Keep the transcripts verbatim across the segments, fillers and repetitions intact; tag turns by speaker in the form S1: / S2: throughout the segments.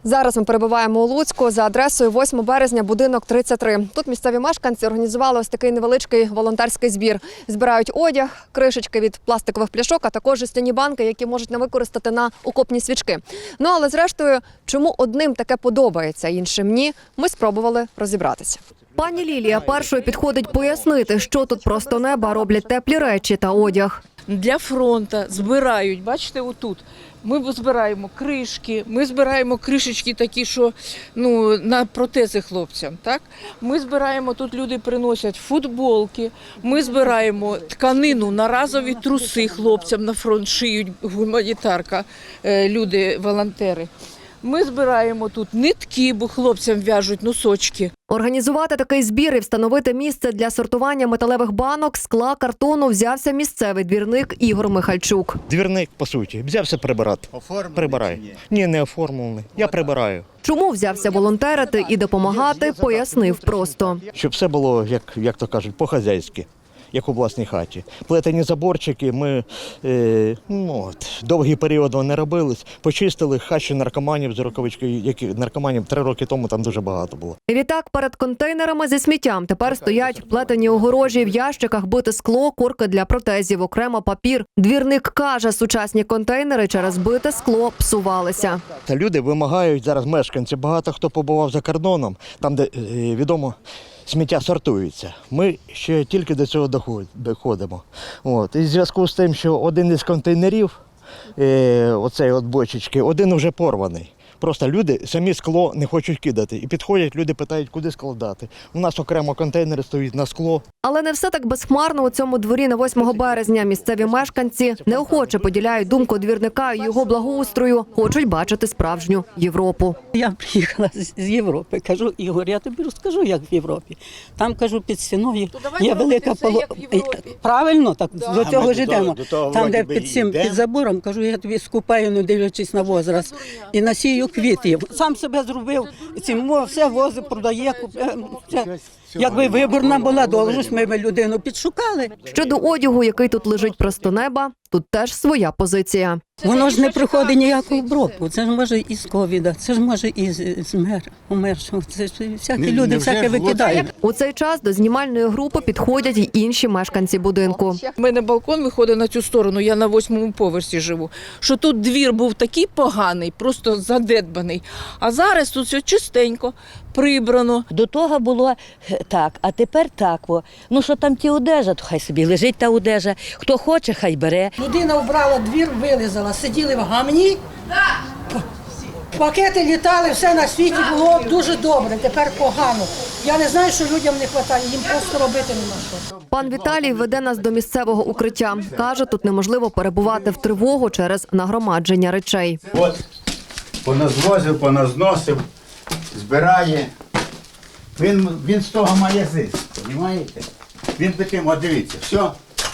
S1: Зараз ми перебуваємо у Луцьку за адресою восьмого березня, будинок тридцять три. Тут місцеві мешканці організували ось такий невеличкий волонтерський збір. Збирають одяг, кришечки від пластикових пляшок, а також жестяні банки, які можуть не використати на окопні свічки. Ну, але зрештою, чому одним таке подобається, іншим ні, ми спробували розібратися. Пані Лілія першою підходить пояснити, що тут просто неба роблять теплі речі та одяг.
S2: Для фронту збирають, бачите, отут. Ми збираємо кришки, ми збираємо кришечки такі, що ну, на протези хлопцям. Так? Ми збираємо, тут люди приносять футболки, ми збираємо тканину на разові труси хлопцям на фронт шиють, гуманітарка, люди, волонтери. Ми збираємо тут нитки, бо хлопцям в'яжуть носочки.
S1: Організувати такий збір і встановити місце для сортування металевих банок, скла, картону взявся місцевий двірник Ігор Михальчук.
S3: Двірник, по суті, взявся прибирати. Прибираю. Ні, не оформлений. Я прибираю.
S1: Чому взявся волонтерити і допомагати, пояснив просто.
S3: Щоб все було, як, як то кажуть, по-хазяйськи, як у власній хаті. Плетені заборчики, ми е, ну, от, довгий період вони не робились, почистили хащі наркоманів з рукавички, які наркоманів три роки тому там дуже багато було.
S1: Відтак перед контейнерами зі сміттям тепер стоять плетені огорожі, в ящиках бите скло, корки для протезів, окремо папір. Двірник каже, сучасні контейнери через бите скло псувалися.
S3: Та люди вимагають зараз, мешканці, багато хто побував за кордоном, там, де, е, відомо, сміття сортується. Ми ще тільки до цього доходимо. От. І в зв'язку з тим, що один із контейнерів, е, оцей от бочечки, один вже порваний. Просто люди самі скло не хочуть кидати. І підходять, люди питають, куди складати. У нас окремо контейнери стоять на скло.
S1: Але не все так безхмарно у цьому дворі на восьмого березня. Місцеві мешканці неохоче поділяють думку двірника і його благоустрою. Хочуть бачити справжню Європу.
S4: Я приїхала з Європи. Кажу, Ігор, я тобі розкажу, як в Європі. Там, кажу, під стіною є велика поло... Правильно, так, до цього ж йдемо. Там, де під цим, під забором, кажу, я тобі скупаю, не дивлячись на возраст. І насію квітів. Сам себе зробив, цим все вози продає. Все. Якби виборна була должність, ми б людину підшукали.
S1: Щодо одягу, який тут лежить просто неба, тут теж своя позиція.
S4: Воно ж не проходить ніяку обробку. Це ж може і з ковіда, це ж може і з мер, умершого. Це ж всякі люди всяке викидають.
S1: У цей час до знімальної групи підходять й інші мешканці будинку.
S2: У мене балкон виходить на цю сторону, я на восьмому поверсі живу. Що тут двір був такий поганий, просто задедбаний. А зараз тут все чистенько, прибрано.
S5: До того було так, а тепер так. О. Ну що там ті одежа, то хай собі лежить та одежа. Хто хоче, хай бере.
S6: Людина вбрала двір, вилизала, сиділи в гамні, пакети літали, все на світі було дуже добре, тепер погано. Я не знаю, що людям не вистачає, їм просто робити нема що.
S1: Пан Віталій веде нас до місцевого укриття. Каже, тут неможливо перебувати в тривогу через нагромадження речей.
S7: От, поназвозив, поназносив, збирає. Він, він з того має зиск, розумієте? Він таким, от дивіться, все,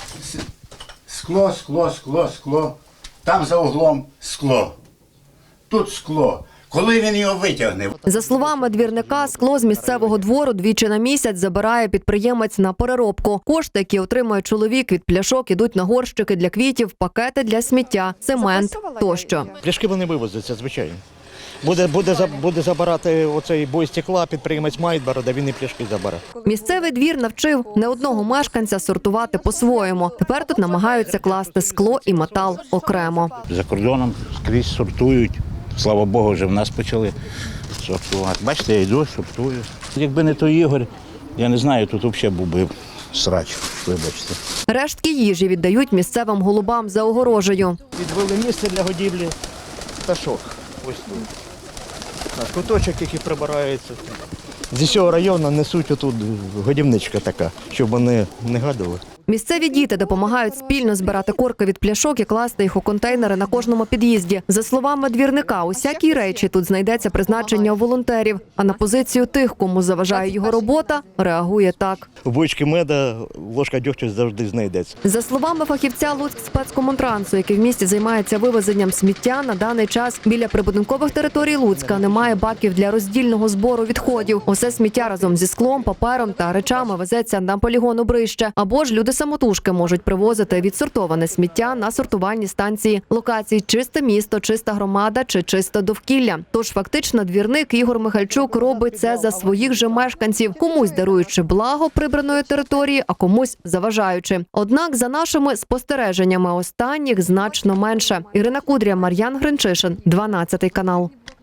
S7: скло, скло, скло, скло, там за углом скло, тут скло. Коли він його витягне?
S1: За словами двірника, скло з місцевого двору двічі на місяць забирає підприємець на переробку. Кошти, які отримує чоловік від пляшок, ідуть на горщики для квітів, пакети для сміття, цемент тощо.
S3: Пляшки вони вивозяться, звичайно. Буде, буде, буде забирати оцей бой стекла, підприємець Майдбара, де він і пляшки забере.
S1: Місцевий двір навчив не одного мешканця сортувати по-своєму. Тепер тут намагаються класти скло і метал окремо.
S8: За кордоном скрізь сортують. Слава Богу, вже в нас почали сортувати. Бачите, я йду, сортую. Якби не той Ігор, я не знаю, тут взагалі був би срач, вибачте.
S1: Рештки їжі віддають місцевим голубам за огорожею.
S3: Відвели місце для годівлі пташок. Ось тут. Наш куточок, який прибирається. Зі всього району несуть отут годівничка така, щоб вони не гадали.
S1: Місцеві діти допомагають спільно збирати корки від пляшок і класти їх у контейнери на кожному під'їзді. За словами двірника, усякій речі тут знайдеться призначення у волонтерів, а на позицію тих, кому заважає його робота, реагує так.
S3: У бочці меда ложка дьогтю завжди знайдеться.
S1: За словами фахівця Луцькспецкомунтрансу, який в місті займається вивезенням сміття, на даний час біля прибудинкових територій Луцька немає баків для роздільного збору відходів. Усе сміття разом зі склом, папером та речами везеться на полігон Обрище, або ж люди самотужки можуть привозити відсортоване сміття на сортувальні станції локацій «Чисте місто», «Чиста громада» чи «Чисте довкілля». Тож фактично двірник Ігор Михальчук робить це за своїх же мешканців, комусь даруючи благо прибраної території, а комусь заважаючи. Однак за нашими спостереженнями останніх значно менше. Ірина Кудря, Мар'ян Гринчишин, дванадцятий канал.